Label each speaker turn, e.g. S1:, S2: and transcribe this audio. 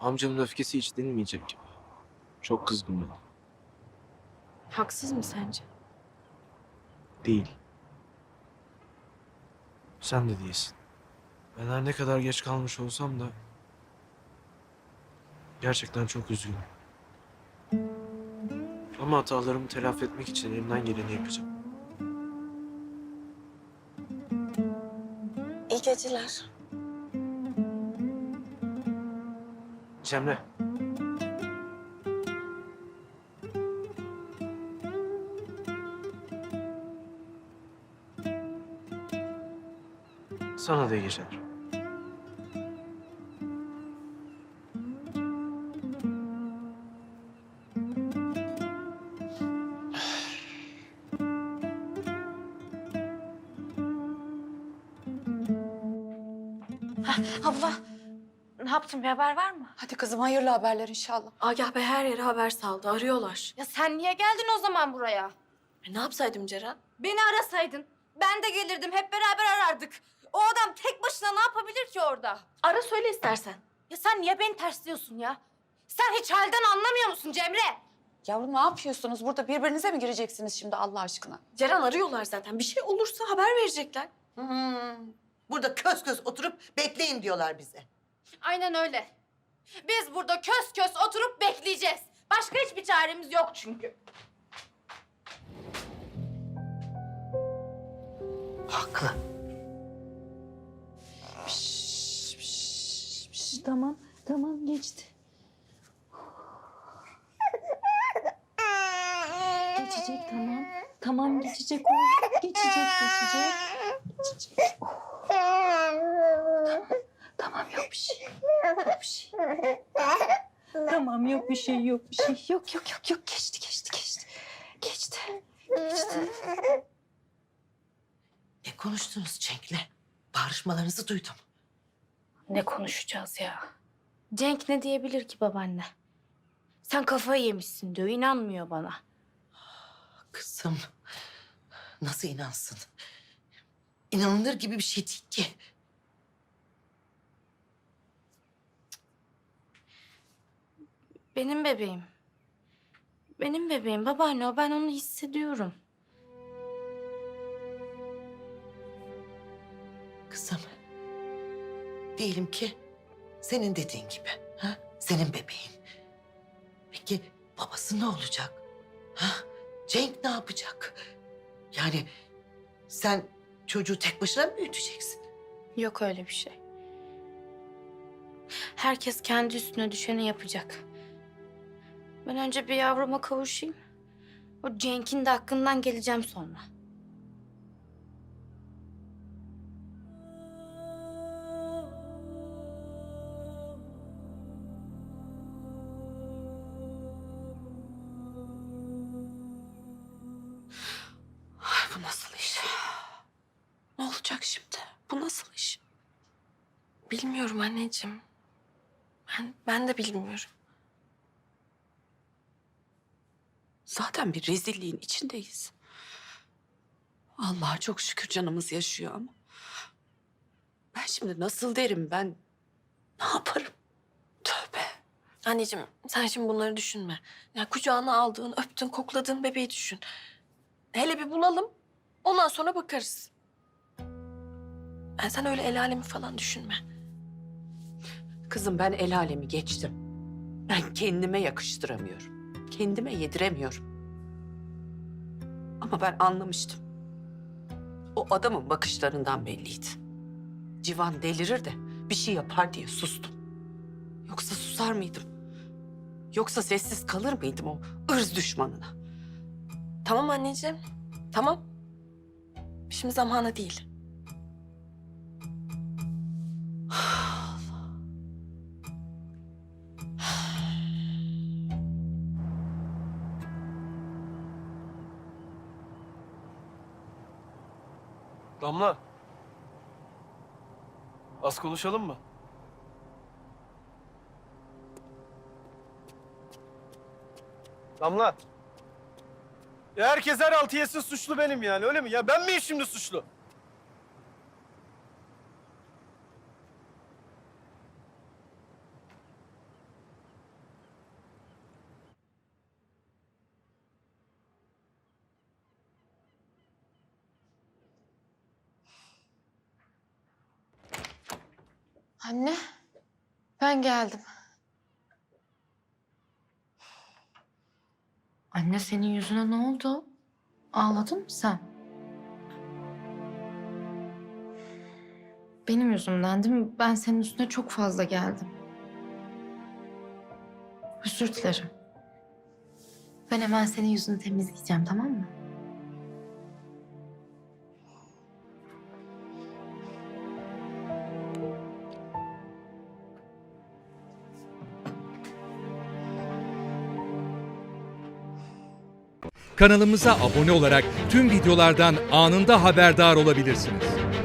S1: Amcamın öfkesi hiç dinmeyecek gibi. Çok kızgın bana.
S2: Haksız mı sence?
S1: Değil. Sen de değilsin. Ben her ne kadar geç kalmış olsam da gerçekten çok üzgünüm. Ama hatalarımı telafi etmek için elimden geleni yapacağım.
S2: İyi geceler.
S1: Cemre. Sana da iyi geceler.
S2: Abla, ne yaptın? Bir haber var mı?
S3: Hadi kızım hayırlı haberler inşallah.
S2: Agah Bey her yere haber saldı. Arıyorlar.
S4: Ya sen niye geldin o zaman buraya?
S2: Ne yapsaydım Ceren?
S4: Beni arasaydın. Ben de gelirdim. Hep beraber arardık. O adam tek başına ne yapabilir ki orada?
S2: Ara söyle istersen.
S4: Ya sen niye beni tersliyorsun ya? Sen hiç halden anlamıyor musun Cemre?
S3: Yavrum ne yapıyorsunuz? Burada birbirinize mi gireceksiniz şimdi Allah aşkına?
S2: Ceren arıyorlar zaten. Bir şey olursa haber verecekler.
S5: Burada kös kös oturup bekleyin diyorlar bize.
S4: Aynen öyle. Biz burada kös kös oturup bekleyeceğiz. Başka hiçbir çaremiz yok çünkü.
S5: Haklı.
S3: Tamam geçti. Geçecek tamam. Tamam geçecek o. Geçecek. Tamam yok bir şey. Yok bir şey. Tamam yok bir şey yok. Geçti. Geçti.
S5: Ne konuştunuz Cenk'le? Bağırışmalarınızı duydum.
S4: Ne konuşacağız ya? Cenk ne diyebilir ki babaanne? Sen kafayı yemişsin diyor. İnanmıyor bana.
S5: Kızım, nasıl inansın? İnanılır gibi bir şey değil ki.
S4: Benim bebeğim. Benim bebeğim babaanne o. Ben onu hissediyorum.
S5: Kızım, diyelim ki senin dediğin gibi. Ha? Senin bebeğin. Peki babası ne olacak? Ha? Cenk ne yapacak? Yani sen çocuğu tek başına mı büyüteceksin?
S4: Yok öyle bir şey. Herkes kendi üstüne düşeni yapacak. Ben önce bir yavruma kavuşayım. O Cenk'in de hakkından geleceğim sonra.
S2: Ay, bu nasıl iş? Ne olacak şimdi? Bu nasıl iş? Bilmiyorum anneciğim. Ben de bilmiyorum. Zaten bir rezilliğin içindeyiz. Allah'a çok şükür canımız yaşıyor ama. Ben şimdi nasıl derim ben? Ne yaparım? Tövbe. Anneciğim sen şimdi bunları düşünme. Ya kucağına aldığın, öptün, kokladığın bebeği düşün. Hele bir bulalım. Ondan sonra bakarız. Sen öyle el alemi falan düşünme.
S6: Kızım ben el alemi geçtim. Ben kendime yakıştıramıyorum. Kendime yediremiyorum. Ama ben anlamıştım. O adamın bakışlarından belliydi. Civan delirir de bir şey yapar diye sustum. Yoksa susar mıydım? Yoksa sessiz kalır mıydım o ırz düşmanına?
S2: Tamam anneciğim. Tamam. Şimdi zamanı değil.
S1: Damla. Az konuşalım mı? Damla. Ya herkes her altı yesin suçlu benim yani öyle mi? Ya ben miyim şimdi suçlu?
S4: Anne, ben geldim. Anne senin yüzüne ne oldu? Ağladın mı sen? Benim yüzümden değil mi? Ben senin üstüne çok fazla geldim. Özür dilerim. Ben hemen senin yüzünü temizleyeceğim, tamam mı?
S7: Kanalımıza abone olarak tüm videolardan anında haberdar olabilirsiniz.